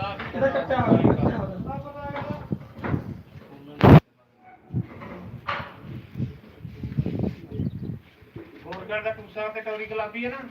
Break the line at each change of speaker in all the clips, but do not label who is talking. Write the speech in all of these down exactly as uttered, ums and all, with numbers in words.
ਇਹਦਾ ਕੱਟਿਆ ਹੋਇਆ ਕੱਟਿਆ ਹੋਇਆ
ਹੋਰ ਕਰਦਾ ਟੂਸਾ ਤੇ ਟੌਰੀ ਗੁਲਾਬੀ ਹੈ ਨਾ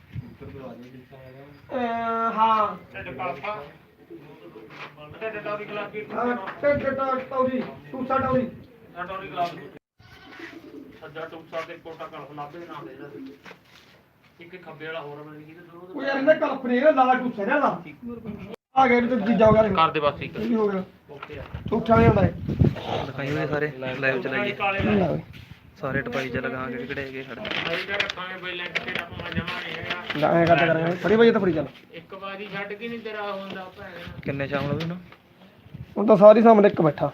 ਅਹ ਹਾਂ
ਢਿੱਡ ਕਾਲਪਾ ਢਿੱਡ ਟੌਰੀ ਗੁਲਾਬੀ
ਟੱਟ ਟੱਟ ਤੌਰੀ ਟੂਸਾ ਟੌਰੀ
ਨਾ ਟੌਰੀ ਗੁਲਾਬੀ ਸੱਜਾ ਟੂਸਾ ਤੇ ਕੋਟਾ ਕਲ ਗੁਲਾਬੀ ਦੇ ਨਾਮ ਇਹਦਾ ਇੱਕ ਖੱਬੇ ਵਾਲਾ ਹੋਰ ਬਣ ਗਈ ਤੇ ਦੋ
ਉਹ ਯਾਰ ਇਹਦਾ ਕਲਪਨੇ ਦਾ ਲਾਲ ਟੂਸਾ ਨਾ ਦਾ ਆ ਗਿਆ ਤੇ ਜੀਜਾ ਹੋ ਗਿਆ
ਕਰ ਦੇ ਬਸ ਠੀਕ
ਇਹ ਵੀ ਹੋ ਗਿਆ
ਓਕੇ ਆ
ਟੂਠਾ ਨਹੀਂ ਹੁੰਦਾ
ਦਿਖਾਈ ਹੋਏ ਸਾਰੇ ਲਾਈਵ ਚਲਾਈਏ
ਇਹ
ਸਾਰੇ ਟਪਾਈ ਚ ਲਗਾਵਾਂਗੇ ਕਿਹੜੇ ਹੈਗੇ ਖੜੇ
ਅਸੀਂ ਤਾਂ ਰੱਖਾਂਗੇ ਬਈ ਲੈਂਟ ਤੇ ਆਪਾਂ ਜਮਾ ਨਹੀਂ ਹੈਗਾ
ਲਾਏ ਕਰਦੇ ਕਰਾਂਗੇ ਫੜੀ ਵਜੇ ਤਾਂ ਫੜੀ ਚੱਲ
ਇੱਕ ਵਾਰੀ ਛੱਡ ਕੇ ਨਹੀਂ ਤੇਰਾ ਹੁੰਦਾ ਭੈਣੇ
ਕਿੰਨੇ ਸ਼ਾਮਲ ਵੀ ਨੂੰ
ਹੁਣ ਤਾਂ ਸਾਰੀ ਸਾਹਮਣੇ ਇੱਕ ਬੈਠਾ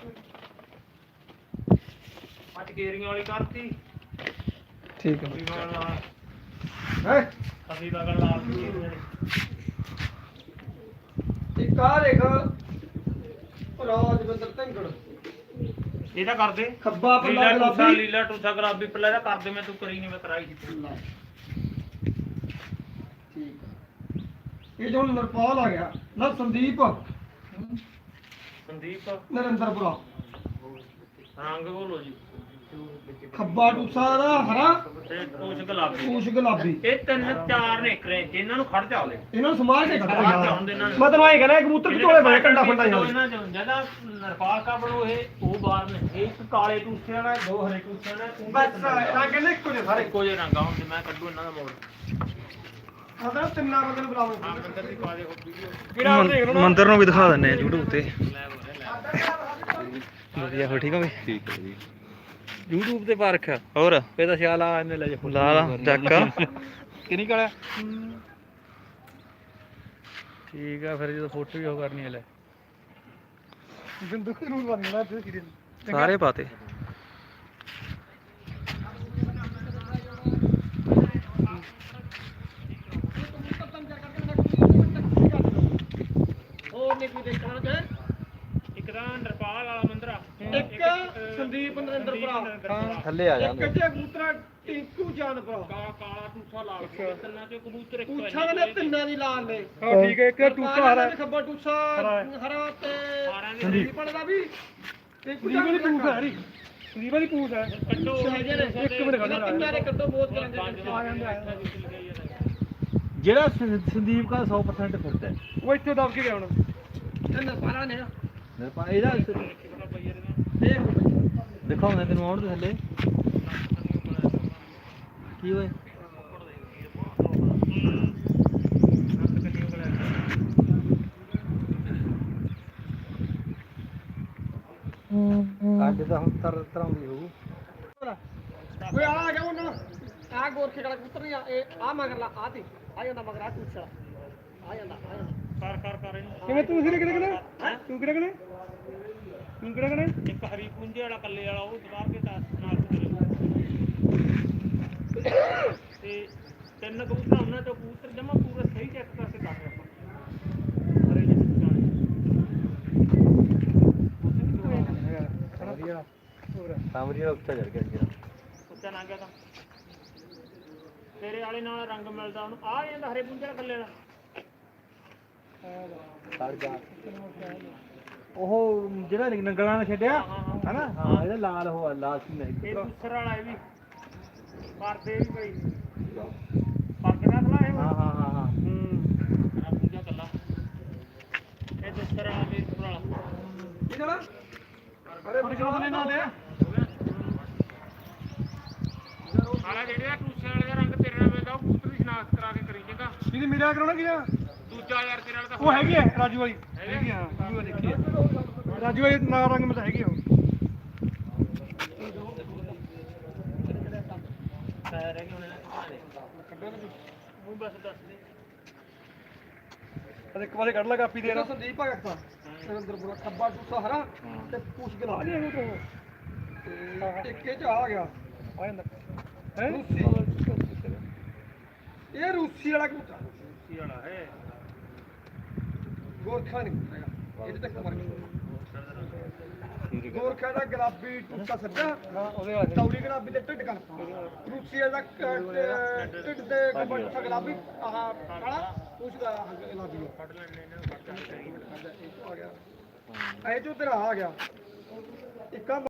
ਅੱਜ ਗੇਰੀਆਂ ਵਾਲੀ ਕਰਤੀ
ਠੀਕ ਹੈ
ਵਿਮਾਨ ਨਾਲ
ਹੈ
ਅਸੀਂ ਤਾਂ ਗੱਲ ਲਾਲ ਗੇਰੀਆਂ ਨੇ
ਇੱਕ ਆ ਦੇਖ ਰਾਜਵਿੰਦਰ ਢੰਗੜ
ਇਹਦਾ ਕਰਦੇ
ਖੱਬਾ
ਲੀਲਾ
ਪੱਲਾ
ਟੂਸਾ
ਗੁਲਾਬੀ
ਲੀਲਾ ਟੂਸਾ ਗੁਲਾਬੀ ਪੱਲਾ ਇਹਦਾ ਕਰਦੇ ਮੈਂ ਤੂੰ ਕਰੀ ਨਹੀਂ ਮੈਂ ਕਰਾਈ ਸੀ
ਠੀਕ ਹੈ ਇਹ ਜੋ ਨਰਪਾਲ ਆ ਗਿਆ ਨਾ ਸੰਦੀਪ
ਸੰਦੀਪ
ਨਰਿੰਦਰਪੁਰਾ
ਰੰਗ ਬੋਲੋ ਜੀ
ਖੱਬਾ ਟੂਸਾ ਦਾ ਹਰਾ
ਤੇ ਕੁਛ ਗੁਲਾਬੀ
ਪੂਛ ਗੁਲਾਬੀ
ਇਹ ਤਿੰਨ ਚਾਰ ਨੇ ਕਰੇ ਇਹਨਾਂ ਨੂੰ ਖੜ ਜਾ ਲੈ
ਇਹਨਾਂ ਨੂੰ ਸਮਾਰ ਕੇ ਖੜਾ
ਹੁੰਦੇ ਇਹਨਾਂ ਨੂੰ
ਮੈਂ ਤੈਨੂੰ ਐਂ ਕਹਿੰਦਾ ਕਬੂਤਰ ਝੋਲੇ ਬਣੇ ਕੰਡਾ ਫੰਡਾ
ਦੋ
ਜਾਂਦਾ
ਇਹਨਾਂ ਚ ਜਦਾ ਨਰਪਾਲ ਕਾ ਬਣੋ ਇਹ ਉਹ ਬਾਹਰ ਨੇ ਇਹ ਇੱਕ ਕਾਲੇ ਟੂਸੇ ਵਾਲਾ ਦੋ ਹਰੇ ਟੂਸੇ ਵਾਲਾ
ਬਸ ਰੰਗ ਕਹਿੰਦੇ ਇੱਕੋ ਜਿਹੇ ਸਾਰੇ
ਇੱਕੋ ਜਿਹੇ ਰੰਗਾ ਹੁਣ ਮੈਂ ਕੱਢੂ ਇਹਨਾਂ ਦਾ ਮੋੜ
ਆਦਰ ਤਿੰਨਾਂ ਬੰਦੇ ਨੂੰ
ਆ
ਬੁਲਾਓ
ਮੰਦਰ ਦੀ ਪਾ ਦੇ ਵੀਡੀਓ
ਕਿਹੜਾ ਦੇਖ ਲਓ
ਮੰਦਰ ਨੂੰ ਵੀ ਦਿਖਾ ਦਿੰਨੇ ਆ YouTube ਤੇ
ਲੈ ਲੈ
ਵਧੀਆ ਹੋ ਠੀਕ ਹੋ ਬਈ
ਠੀਕ ਹੈ ਜੀ
YouTube ਤੇ ਪਾ ਰੱਖਿਆ ਹੋਰ
ਇਹਦਾ ਸਿਆਲ ਆ ਇਹਨੇ ਲੈ ਜਾ
ਲਾ ਲਾ ਚੱਕ
ਕਿੰਨੀ ਕਾਲਾ
ਠੀਕ ਆ ਫਿਰ ਜਦੋਂ ਫੋਟੋ ਵੀ ਉਹ ਕਰਨੀ ਹੈ ਲੈ
ਬਿੰਦੂ ਨੂੰ ਬਣਨਾ ਤੇ ਕਿਰੇ
ਸਾਰੇ ਪਾਤੇ
ਹੋਰ ਨਹੀਂ ਕੋਈ ਦੇਖਣਾ ਜੇ
ਇੱਕ ਤਾਂ ਨਰਪਾਲ ਵਾਲਾ ਮੰਦਰਾ
ਇੱਕ ਸੰਦੀਪ ਨਰਿੰਦਰਪੁਰਾ
ਥੱਲੇ ਆ
ਇੱਕ
ਜਾਂਦੇ
ਜੇ ਕਬੂਤਰਾ ਟਿੰਕੂ ਚਾਂਦਪੁਰਾ
ਕਾਲਾ ਕਾਲਾ ਟੂਸਾ ਲਾਲ ਤਿੰਨਾਂ ਚੋਂ ਕਬੂਤਰ ਇੱਕ
ਪੂਛਾਂ ਦੇ ਤਿੰਨਾਂ ਦੀ ਲਾਲ ਨੇ
ਹਾਂ ਠੀਕ ਹੈ ਇੱਕ ਟੂਸਾ ਹਰਾ
ਖੱਬਾ ਟੂਸਾ ਹਰਾ ਤੇ
ਸਾਰਿਆਂ ਦੇ
ਸੰਦੀਪ ਦਾ ਵੀ ਟਿੰਕੂ
ਵਾਲੀ ਪੂਛ ਹੈ ਹਰੀ ਸੰਦੀਪ ਵਾਲੀ ਪੂਛ ਹੈ
ਕੱਢੋ
ਇੱਕ ਮਿੰਟ ਖੜੋ ਤਿੰਨਾਂ ਦੇ ਕੱਢੋ ਬਹੁਤ ਕਰਾਂਗੇ
ਆ ਜਾਂਦੇ ਆ
ਜਿਹੜਾ ਸੰਦੀਪ ਦਾ ਸੌ ਪਰਸੈਂਟ ਫਿੱਟ ਹੈ
ਉਹ ਇੱਥੇ ਦਬ ਕੇ ਗਿਆ ਹੁਣ ਤਿੰਨ ਬਾਰਾਂ ਨੇ
ਇਹਦਾ
ਦੇਖ
ਦਿਖਾਉਂਦਾ ਤੈਨੂੰ ਆਉਣ ਦੇ ਥੱਲੇ ਕੀ ਹੋਏ ਅੱਜ ਤਾਂ ਹੁਣ ਤਰ ਤਰ੍ਹਾਂ ਦੀ ਹੋਊ
ਓਏ ਆ ਗਿਆ ਉਹਨਾਂ ਆ ਗੋਰਖੇ ਵਾਲਾ ਕਬੂਤਰ ਨਹੀਂ ਆ ਇਹ ਆ ਮਗਰ ਲਾ ਆ ਤੇ ਆ ਜਾਂਦਾ ਮਗਰ ਆ ਟੂਸਾ ਆ ਜਾਂਦਾ ਆ ਜਾਂਦਾ
ਕਰ ਕਰ ਕਰ ਇਹਨੂੰ
ਕਿਵੇਂ ਤੂੰ ਸਿਰੇ ਕਿਹੜੇ ਕਿਹੜੇ ਤੂੰ ਕਿਹੜੇ ਕਿਹੜੇ ਤੂੰ ਕਿਹੜੇ ਕਿਹੜੇ
ਇੱਕ ਹਰੀ ਪੁੰਜੇ ਵਾਲਾ ਕੱਲੇ ਵਾਲਾ ਉਹ ਦਵਾਰ ਕੇ ਤਾਂ ਨਾਲ ਤੇ ਤਿੰਨ ਕਬੂਤਰ ਉਹਨਾਂ ਚੋਂ ਕਬੂਤਰ ਜਮਾ ਪੂਰਾ ਸਹੀ ਚੈੱਕ ਕਰਕੇ ਕਰ ਰਹੇ ਆਪਾਂ ਹਰੇ ਜਿਹੇ
ਸਾਮਰੀ ਦਾ ਉੱਚਾ ਚੜ ਗਿਆ ਜੀ
ਉੱਚਾ ਨਾ ਗਿਆ ਤਾਂ ਤੇਰੇ ਵਾਲੇ ਨਾਲ ਰੰਗ ਮਿਲਦਾ ਉਹਨੂੰ ਆ ਜਾਂਦਾ ਹਰੇ ਪੁੰਜੇ ਵਾਲਾ ਕੱਲੇ ਵਾਲਾ
ਸੜ ਗਿਆ ਉਹ ਜਿਹੜਾ ਨੰਗਲਾਂ ਨੇ ਛੱਡਿਆ ਹਨਾ ਹਾਂ ਇਹਦਾ ਲਾਲ ਹੋ ਲਾਲ ਸੀ ਨਹੀਂ
ਇਹ ਦੂਸਰਾ ਵਾਲਾ ਇਹ ਵੀ ਕਰਦੇ ਵੀ ਬਈ ਪੱਗ ਦਾ ਖਲਾ ਇਹ
ਹਾਂ ਹਾਂ ਹਾਂ ਹਾਂ
ਹੂੰ ਆ ਪੂਜਾ ਕੱਲਾ ਇਹ ਦੂਸਰਾ ਵਾਲਾ ਵੀ ਵਾਲਾ
ਇਹ ਜਣਾ ਅਰੇ ਬਚਾਉ ਨੇ ਨਾ ਦੇ
ਸਾਲਾ ਜਿਹੜੇ ਆ ਟੂਸੇ ਵਾਲੇ ਦਾ ਰੰਗ ਤੇਰੇ ਨਾਲ ਮਿਲਦਾ ਉਹ ਕਬੂਤਰ ਦੀ ਸ਼ਨਾਖਤ ਕਰਾ ਕੇ ਕਰੀ ਚੰਗਾ
ਇਹਦੀ ਮੇਰਾ ਕਰਾਉਣਾ ਕੀ ਆ
ਦੂਜਾ ਯਾਰ ਤੇਰੇ ਵਾਲਾ ਤਾਂ
ਉਹ ਹੈਗੀ ਹੈ ਰਾਜੂ ਵਾਲੀ ਹੈਗੀ ਹਾਂ ਉਹ ਦੇਖੀ ਹੈ ਰਾਜੂ ਵਾਲੀ ਨਾਲ ਰੰਗ ਮਿਲਦਾ ਹੈਗੀ ਉਹ
ਰਹਿ ਗਏ ਉਹਨੇ ਉਹ ਬਸ ਦੱਸ ਦੇ
ਅਰੇ ਇੱਕ ਵਾਰੇ ਕੱਢ ਲਾ ਕਾਪੀ ਦੇ ਨਾ ਸੰਦੀਪ ਆ ਗਿਆ ਨਰਿੰਦਰਪੁਰਾ ਖੱਬਾ ਟੂਸਾ ਹਰਾ ਤੇ ਪੂਛ ਗਲਾ ਲਿਆ ਉਹ ਤੋਂ ਤੇ ਇੱਕੇ ਚ ਆ ਗਿਆ ਆ ਜਾਂਦਾ ਹੈ ਰੂਸੀ ਇਹ ਰੂਸੀ ਵਾਲਾ ਕਬੂਤਰ
ਕੀ ਵਾਲਾ ਹੈ
ਗੋਰਖਾ ਨਹੀਂ ਹੈਗਾ ਇਹਦੇ ਤੱਕ ਮਰ ਗਿਆ ਗੋਰਖਾ ਦਾ ਗੁਲਾਬੀ ਟੁੱਟਾ ਸੱਜਾ ਉਹਦੇ ਵਾਸਤੇ ਤੌੜੀ ਗੁਲਾਬੀ ਤੇ ਢਿੱਡ ਕਰ ਰੂਸੀ ਦਾ ਢਿੱਡ ਤੇ ਗੱਬਾ ਟੁੱਟਾ ਗੁਲਾਬੀ ਆਹ ਕਾਲਾ ਉਸ ਦਾ ਗੁਲਾਬੀ
ਫੜ ਲੈਣੇ ਇਹਨਾਂ ਨੂੰ ਫੜ ਲੈਣੇ
ਐ ਚੋਂ ਤੇਰਾ ਆ ਗਿਆ ਇੱਕਾ